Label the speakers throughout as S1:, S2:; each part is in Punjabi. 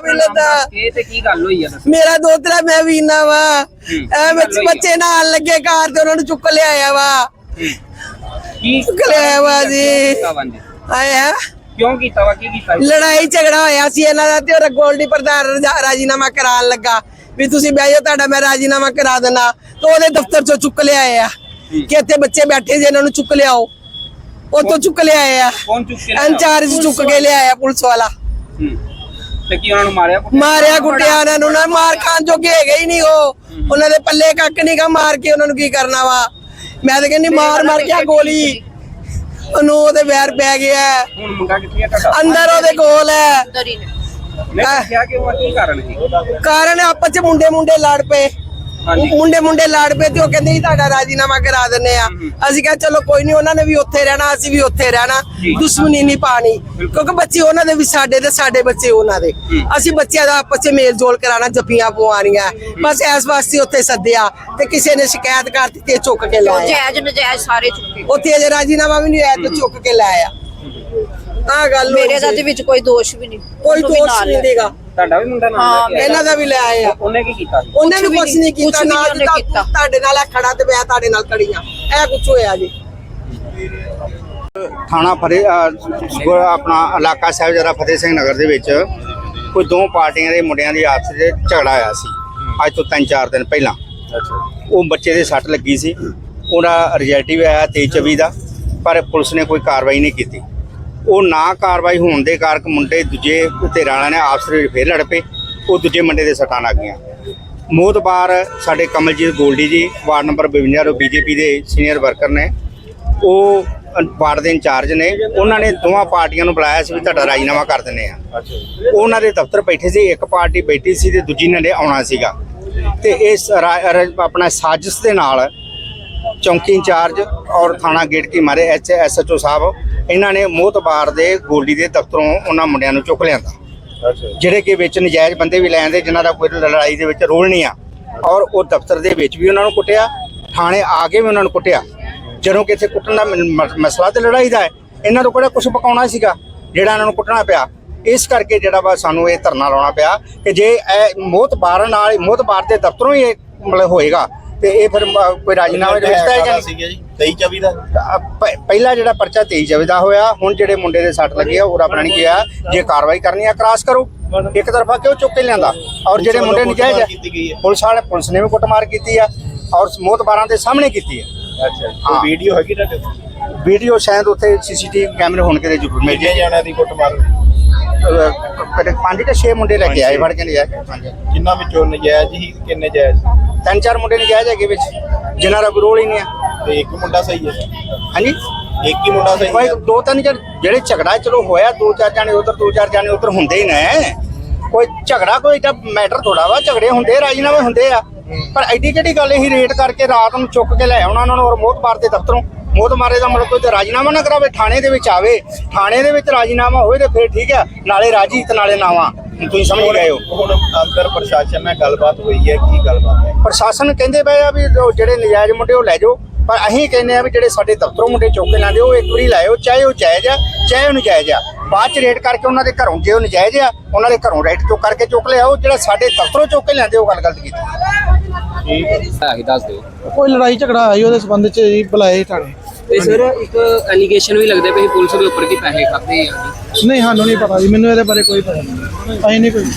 S1: मिलता
S2: ਤੇ ਕੀ ਗੱਲ ਹੋਈ ਆ
S1: मेरा दोतरा मैं वीना वा बच्चे नाल लगे कार ते उन्होंने चुक ले आया वा
S2: ਕੀ
S1: चुक ले आया वा जी आया
S2: ਕਿਉਂ ਕੀਤਾ ਵਾ ਕੀ ਕੀਤਾ
S1: ਲੜਾਈ ਝਗੜਾ ਹੋਇਆ ਸੀ ਇਹਨਾਂ ਦਾ ਤੇ ਉਹ ਗੋਲਡੀ ਪ੍ਰਧਾਨ ਰਾਜੀਨਾਮਾ ਕਰਾਉਣ ਲੱਗਾ ਵੀ ਤੁਸੀਂ ਬਹਿ ਜਾਓ ਤੁਹਾਡਾ ਮੈਂ ਰਾਜੀਨਾਮਾ ਕਰਾ ਦੇਣਾ ਤੇ ਉਹਦੇ ਦਫ਼ਤਰ ਚੋਂ ਚੁੱਕ ਲਿਆਏ ਆ ਕਿ ਇੱਥੇ ਬੱਚੇ ਬੈਠੇ ਜੇ ਇਹਨਾਂ ਨੂੰ ਚੁੱਕ ਲਿਆਓ ਉੱਥੋਂ ਚੁੱਕ ਲਿਆਏ ਆ
S2: ਕੌਣ ਚੁੱਕ ਕੇ
S1: ਇੰਚਾਰਜ ਚੁੱਕ ਕੇ ਲਿਆਇਆ ਪੁਲਿਸ ਵਾਲਾ
S2: ਤੇ ਕੀ ਉਹਨਾਂ ਨੂੰ
S1: ਮਾਰਿਆ ਕੁੱਟਿਆ ਉਹਨਾਂ ਨੂੰ ਨਾ ਮਾਰ ਖਾਣ ਜੋਗੇ ਹੈਗੇ ਹੀ ਨਹੀਂ ਉਹ ਉਹਨਾਂ ਦੇ ਪੱਲੇ ਕੱਕ ਨਹੀਂ ਗਾ ਮਾਰ ਕੇ ਉਹਨਾਂ ਨੂੰ ਕੀ ਕਰਨਾ ਵਾ ਮੈਂ ਤਾਂ ਕਹਿੰਦੀ ਮਾਰ ਕੇ ਗੋਲੀ ਉਹਨੂੰ ਉਹਦੇ ਵੈਰ ਪੈ ਗਿਆ
S2: ਹੁਣ ਮੁੰਡਾ ਕਿੱਥੇ ਆ ਤੁਹਾਡਾ
S1: ਅੰਦਰ ਉਹਦੇ ਕੋਲ ਹੈ
S2: ਮੈਂ ਕਿਹਾ ਕਿ ਉਹ ਕੀ ਕਾਰਨ ਸੀ
S1: ਕਾਰਨ ਆਪਸ ਚ ਮੁੰਡੇ ਲੜ ਪਏ ਮੁੰਡੇ ਲੜ ਪਏ ਤੇ ਉਹ ਕਹਿੰਦੇ ਜੀ ਤੁਹਾਡਾ ਰਾਜੀਨਾਮਾ ਕਰਾ ਦਿੰਨੇ ਆ ਅਸੀਂ ਕਿਹਾ ਚਲੋ ਕੋਈ ਨਹੀਂ ਉਹਨਾਂ ਨੇ ਵੀ ਉੱਥੇ ਰਹਿਣਾ ਅਸੀਂ ਵੀ ਉੱਥੇ ਰਹਿਣਾ ਦੁਸ਼ਮਣੀ ਨਹੀਂ ਪਾਣੀ ਕਿਉਂਕਿ ਬੱਚੇ ਉਹਨਾਂ ਦੇ ਵੀ ਸਾਡੇ ਤੇ ਸਾਡੇ ਬੱਚੇ ਉਹਨਾਂ ਦੇ ਅਸੀਂ ਬੱਚਿਆਂ ਦਾ ਆਪਸ ਚ ਮੇਲ ਜੋਲ ਕਰਾਣਾ ਜੱਫੀਆਂ ਪਵਾਉਣੀਆਂ ਬਸ ਇਸ ਵਾਸਤੇ ਉੱਥੇ ਸੱਦਿਆ ਤੇ ਕਿਸੇ ਨੇ ਸ਼ਿਕਾਇਤ ਕਰ ਦਿੱਤੀ ਚੁੱਕ ਕੇ ਲਾਇਆ
S3: ਜਾਇਜ਼ ਨਜਾਇਜ਼ ਸਾਰੇ ਚੁੱਕੇ
S1: ਉੱਥੇ ਅਜੇ ਰਾਜੀਨਾਮਾ ਵੀ ਨਹੀਂ ਆਇਆ ਤੇ ਚੁੱਕ ਕੇ ਲਾਇਆ ਆ ਗੱਲ
S3: ਮੇਰੇ ਦਾ ਤੇ ਵਿੱਚ ਕੋਈ ਦੋਸ਼ ਵੀ ਨਹੀਂ
S1: ਕੋਈ ਦੋਸ਼ ਨਹੀਂ ਦੇਗਾ
S2: ਤੁਹਾਡਾ ਵੀ ਮੁੰਡਾ ਨਾਲ
S1: ਇਹਨਾਂ ਦਾ ਵੀ ਲੈ ਆਇਆ
S2: ਉਹਨੇ ਕੀ ਕੀਤਾ
S1: ਉਹਨੇ ਵੀ ਕੁਝ ਨਹੀਂ ਕੀਤਾ ਨਾ ਤੁਹਾਡੇ ਨਾਲ ਖੜਾ ਤੇ ਮੈਂ ਤੁਹਾਡੇ ਨਾਲ ਖੜੀਆਂ ਇਹ ਕੁਝ ਹੋਇਆ ਜੀ
S4: ਥਾਣਾ ਫਤਿਹ ਆਪਣਾ ਇਲਾਕਾ ਸਾਹਿਬ ਜਰਾ ਫਤਿਹ ਸਿੰਘ ਨਗਰ ਦੇ ਵਿੱਚ ਕੋਈ ਦੋ ਪਾਰਟੀਆਂ ਦੇ ਮੁੰਡਿਆਂ ਦੀ ਆਪਸ ਵਿੱਚ ਝਗੜਾ ਆਇਆ ਸੀ ਅੱਜ ਤੋਂ 3-4 ਦਿਨ ਪਹਿਲਾਂ ਉਹ ਬੱਚੇ ਦੇ ਸੱਟ ਲੱਗੀ ਸੀ ਉਹਦਾ ਰਿਜ਼ਲਟ ਵੀ ਆਇਆ 23-24 ਦਾ ਪਰ ਪੁਲਿਸ ਨੇ ਕੋਈ ਕਾਰਵਾਈ ਨਹੀਂ ਕੀਤੀ ਉਹ ਨਾ ਕਾਰਵਾਈ ਹੋਣ ਦੇ ਕਾਰਨ ਮੁੰਡੇ ਦੂਜੇ ਧਿਰਾਂ ਵਾਲਿਆਂ ਨੇ ਆਪਸ ਵਿੱਚ ਫੇਰ ਲੜ ਪਏ ਉਹ ਦੂਜੇ ਮੁੰਡੇ ਦੇ ਸੱਟਾਂ ਲੱਗ ਗਈਆਂ ਮੋਹਤਬਾਰ ਸਾਡੇ ਕਮਲਜੀਤ ਗੋਲਡੀ ਜੀ ਵਾਰਡ ਨੰਬਰ 52 ਤੋਂ ਬੀਜੇਪੀ ਦੇ ਸੀਨੀਅਰ ਵਰਕਰ ਨੇ ਉਹ ਵਾਰਡ ਦੇ ਇੰਚਾਰਜ ਨੇ ਉਹਨਾਂ ਨੇ ਦੋਵਾਂ ਪਾਰਟੀਆਂ ਨੂੰ ਬੁਲਾਇਆ ਸੀ ਵੀ ਤੁਹਾਡਾ ਰਾਜੀਨਾਮਾ ਕਰ ਦਿੰਦੇ ਆ ਉਹਨਾਂ ਦੇ ਦਫ਼ਤਰ ਬੈਠੇ ਸੀ ਇੱਕ ਪਾਰਟੀ ਬੈਠੀ ਸੀ ਤੇ ਦੂਜੀ ਨੇ ਆਉਣਾ ਸੀਗਾ ਤੇ ਇਸ ਆਪਣਾ ਸਾਜ਼ਿਸ਼ ਦੇ ਨਾਲ ਚੌਂਕੀ ਇੰਚਾਰਜ ਔਰ ਥਾਣਾ ਗੇਟ ਕੀ ਮਾਰੇ SHO ਸਾਹਿਬ ਇਹਨਾਂ ਨੇ ਮੋਹਤਬਾਰ ਦੇ ਗੋਲਡੀ ਦੇ ਦਫ਼ਤਰੋਂ ਉਹਨਾਂ ਮੁੰਡਿਆਂ ਨੂੰ ਚੁੱਕ ਲਿਆਂਦਾ ਜਿਹੜੇ ਕਿ ਵਿੱਚ ਨਜਾਇਜ਼ ਬੰਦੇ ਵੀ ਲੈਂਦੇ ਜਿਨ੍ਹਾਂ ਦਾ ਕੋਈ ਲੜਾਈ ਦੇ ਵਿੱਚ ਰੋਲ ਨਹੀਂ ਆ ਔਰ ਉਹ ਦਫ਼ਤਰ ਦੇ ਵਿੱਚ ਵੀ ਉਹਨਾਂ ਨੂੰ ਕੁੱਟਿਆ ਥਾਣੇ ਆ ਕੇ ਵੀ ਉਹਨਾਂ ਨੂੰ ਕੁੱਟਿਆ ਜਦੋਂ ਕਿ ਇੱਥੇ ਕੁੱਟਣ ਦਾ ਮਸਲਾ ਤੇ ਲੜਾਈ ਦਾ ਹੈ ਇਹਨਾਂ ਤੋਂ ਕਿਹੜਾ ਕੁਝ ਪਕਾਉਣਾ ਸੀਗਾ ਜਿਹੜਾ ਇਹਨਾਂ ਨੂੰ ਕੁੱਟਣਾ ਪਿਆ ਇਸ ਕਰਕੇ ਜਿਹੜਾ ਵਾ ਸਾਨੂੰ ਇਹ ਧਰਨਾ ਲਾਉਣਾ ਪਿਆ ਕਿ ਜੇ ਇਹ ਮੋਹਤਬਾਰ ਨਾਲ ਮੋਹਤਬਾਰ ਦੇ ਦਫ਼ਤਰੋਂ ਹੀ ਇਹ ਮਤਲਬ ਹੋਏਗਾ ਤੇ ਇਹ ਫਿਰ ਕੋਈ ਰਾਜੀਨਾਮੇ ਦੇ ਵਿੱਚ ਤਾਂ ਹੈਗਾ
S5: ਸੀਗਾ ਜੀ 23-24 ਦਾ
S4: ਪਹਿਲਾ ਜਿਹੜਾ ਪਰਚਾ 23-24 ਦਾ ਹੋਇਆ ਹੁਣ ਜਿਹੜੇ ਮੁੰਡੇ ਦੇ ਸੱਟ ਲੱਗੇ ਆ ਉਹ ਰੱਬ ਨੇ ਕਿਹਾ ਜੇ ਕਾਰਵਾਈ ਕਰਨੀ ਆ ਕ੍ਰਾਸ ਕਰੋ ਇੱਕ ਤਰਫਾ ਕਿਉਂ ਚੁੱਕ ਕੇ ਲਿਆਂਦਾ ਔਰ ਜਿਹੜੇ ਮੁੰਡੇ ਨਜਾਇਜ਼ ਆ ਪੁਲਿਸ ਨੇ ਵੀ ਕੁੱਟਮਾਰ ਕੀਤੀ ਆ ਔਰ ਮੋਹਤਬਾਰਾਂ ਦੇ ਸਾਹਮਣੇ ਕੀਤੀ ਆ
S5: ਅੱਛਾ ਕੋਈ ਵੀਡੀਓ ਹੈਗੀ ਤੁਹਾਡੇ
S4: ਵੀਡੀਓ ਸ਼ਾਇਦ ਉੱਥੇ CCTV ਕੈਮਰੇ ਹੋਣ ਕਿਤੇ ਜ਼ਰੂਰ ਮਿਲ
S5: ਕਿੰਨੇ ਜਾਣਿਆਂ ਦੀ ਕੁੱਟਮਾਰ
S4: 5 ਜਾਂ 6 ਮੁੰਡੇ ਲੈ ਕੇ ਆਏ ਫੜ ਕੇ ਨਜਾਇਜ਼
S5: ਜਿਨ੍ਹਾਂ ਵਿੱਚੋਂ ਨਜਾਇਜ਼ ਹੀ ਕਿੰਨੇ ਜਾਇਜ਼
S4: 3-4 ਮੁੰਡੇ ਨਜਾਇਜ਼ ਹੈਗੇ ਵਿੱਚ ਜਿਨ੍ਹਾਂ ਦਾ ਕੋਈ ਰੋਲ ਹੀ ਨਹੀਂ ਆ
S5: ਤੇ ਇੱਕ ਮੁੰਡਾ ਸਹੀ ਹੈ
S4: ਹਾਂਜੀ
S5: ਇੱਕ ਹੀ ਮੁੰਡਾ ਸਹੀ
S4: ਭਾਈ
S5: ਹੈ
S4: 2-3 ਜਿਹੜੇ ਝਗੜਾ ਚਲੋ ਹੋਇਆ 2-4 ਜਾਣੇ ਉਧਰ 2-4 ਜਾਣੇ ਉਧਰ ਹੁੰਦੇ ਹੀ ਨੇ ਕੋਈ ਝਗੜਾ ਕੋਈ ਏਡਾ ਮੈਟਰ ਥੋੜਾ ਵਾ ਝਗੜੇ ਹੁੰਦੇ ਰਾਜੀਨਾਮੇ ਹੁੰਦੇ ਆ ਪਰ ਐਡੀ ਕਿਹੜੀ ਗੱਲ ਇਹ ਰੇਟ ਕਰਕੇ ਰਾਤ ਨੂੰ ਚੁੱਕ ਕੇ ਲੈ ਆਉਣਾ ਉਹਨਾਂ ਨੂੰ ਔਰ ਮੋਹਤਬਾਰ ਦੇ ਦਫ਼ਤਰੋਂ ਮੋਹਤਬਾਰੇ ਦਾ ਮਤਲਬ ਕੋਈ ਰਾਜੀਨਾਮਾ ਨਾ ਕਰਾਵੇ ਥਾਣੇ ਦੇ ਵਿੱਚ ਆਵੇ ਥਾਣੇ ਦੇ ਵਿੱਚ ਰਾਜੀਨਾਮਾ ਹੋਵੇ ਤੇ ਫਿਰ ਠੀਕ ਆ ਨਾਲੇ ਰਾਜੀ ਤੇ ਨਾਲੇ ਨਾਵਾ ਤੁਸੀਂ ਸਮਝ ਗਏ ਹੋ
S5: ਹੁਣ ਅੰਦਰ ਪ੍ਰਸ਼ਾਸਨ ਨਾਲ ਗੱਲਬਾਤ ਹੋਈ ਹੈ ਕੀ ਗੱਲਬਾਤ ਹੈ
S4: ਪ੍ਰਸ਼ਾਸਨ ਕਹਿੰਦੇ ਪਏ ਆ ਵੀ ਜਿਹੜੇ ਨਜਾਇਜ਼ ਮੁੰਡੇ ਉਹ ਲੈ ਜਾਓ ਪਰ ਅਸੀਂ ਕਹਿੰਦੇ ਆ ਵੀ ਜਿਹੜੇ ਸਾਡੇ ਦਫ਼ਤਰੋਂ ਮੁੰਡੇ ਚੁੱਕ ਕੇ ਲੈਂਦੇ ਉਹ ਇੱਕ ਵਾਰੀ ਲਾਇਓ ਚਾਹੇ ਉਹ ਜਾਇਜ਼ ਆ ਚਾਹੇ ਉਹ ਨਜਾਇਜ਼ ਆ ਬਾਅਦ ਚ ਰੇਟ ਕਰਕੇ ਉਹਨਾਂ ਦੇ ਘਰੋਂ ਜੇ ਉਹ ਨਜਾਇਜ਼ ਆ ਉਹਨਾਂ ਦੇ ਘਰੋਂ ਰੇਟ ਚੁੱਕ ਕਰਕੇ ਚੁੱਕ ਲਿਆਓ ਜਿਹੜਾ ਸਾਡੇ ਦਫ਼ਤਰੋਂ ਚੁੱਕ ਕੇ ਲੈਂਦੇ ਉਹ ਗੱਲ ਗਲਤ ਕੀਤੀ
S2: ਦੱਸ ਦਿਓ
S6: ਕੋਈ ਲੜਾਈ ਝਗੜਾ ਆਈ ਉਹਦੇ ਸੰਬੰਧ ਚ ਜੀ ਬੁਲਾਏ ਥਾਣੇ
S2: ਤੇ ਸਰ ਇੱਕ ਐਲੀਗੇਸ਼ਨ ਵੀ ਲੱਗਦੇ ਪਏ ਪੁਲਿਸ ਦੇ ਉੱਪਰ ਕਿ ਪੈਸੇ ਖਾਦੇ ਆ
S6: ਨਹੀਂ ਸਾਨੂੰ ਨਹੀਂ ਪਤਾ ਜੀ ਮੈਨੂੰ ਇਹਦੇ ਬਾਰੇ ਕੋਈ ਪਤਾ ਨਹੀਂ ਅਸੀਂ ਨਹੀਂ ਕੋਈ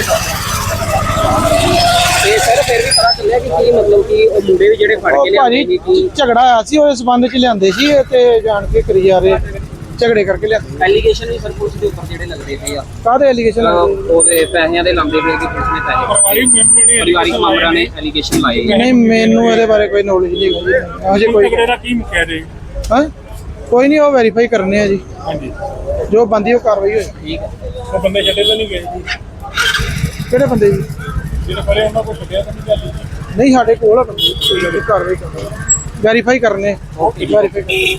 S2: ਤੇ ਸਰ ਫਿਰ ਵੀ ਪਤਾ ਚੱਲਿਆ ਕਿ ਕੀ ਮਤਲਬ ਕਿ ਉਹ ਮੁੰਡੇ ਵੀ ਜਿਹੜੇ ਫੜ ਕੇ ਲਿਆਏ ਸੀ
S6: ਭਾਜੀ ਝਗੜਾ ਆਇਆ ਸੀ ਉਹਦੇ ਸੰਬੰਧ ਚ ਲਿਆਂਦੇ ਸੀ ਤੇ ਜਾਣ ਕੇ ਕਰੀ ਜਾ ਰਹੇ ਝਗੜੇ ਕਰਕੇ ਲਿਆਂਦੇ
S2: ਐਲੀਗੇਸ਼ਨ ਵੀ ਸਰ ਪੁਲਿਸ ਦੇ ਉੱਪਰ ਜਿਹੜੇ ਲੱਗਦੇ ਪਏ ਆ
S6: ਕਾਹਦੇ ਐਲੀਗੇਸ਼ਨ
S2: ਉਹਦੇ ਪੈਸਿਆਂ ਦੇ ਲਾਉਂਦੇ ਪਏ ਕਿ ਪੁਲਿਸ ਨੇ ਪੈਸੇ ਪਰਿਵਾਰਿਕ ਮੈਂਬਰਾਂ ਨੇ ਐਲੀਗੇਸ਼ਨ ਲਾਏ
S6: ਨਹੀਂ ਮੈਨੂੰ ਇਹਦੇ ਬਾਰੇ ਕੋਈ ਨੌਲੇਜ ਨਹੀਂ ਹੈਗੀ ਅਜੇ ਕੋਈ
S7: ਝਗੜੇ ਦਾ ਕੀ ਮੁੱਕਿਆ ਜੀ
S6: ਹਾਂ ਕੋਈ ਨਹੀਂ ਉਹ ਵੈਰੀਫਾਈ ਕਰਨੇ ਆ ਜੀ
S7: ਹਾਂਜੀ
S6: ਜੋ ਬੰਦੀ ਉਹ ਕਾਰਵਾਈ ਹੋਏ
S2: ਠੀਕ ਹੈ
S7: ਉਹ ਬੰਦੇ ਛੱਡੇ ਤਾਂ ਨਹੀਂ ਗਏ ਜੀ
S6: ਕਿਹੜੇ ਬੰਦੇ ਜੀ
S7: ਜਿਹੜੇ ਫੜੇ ਉਹਨਾਂ ਕੋਲ ਛੱਡਿਆ ਤਾਂ ਨਹੀਂ ਗੱਲ ਜੀ
S6: ਨਹੀਂ ਸਾਡੇ ਕੋਲ ਆ ਬੰਦੇ ਕੋਈ ਕਾਰਵਾਈ ਕਰਨੀ ਵੈਰੀਫਾਈ ਕਰਨੇ ਵੈਰੀਫਾਈ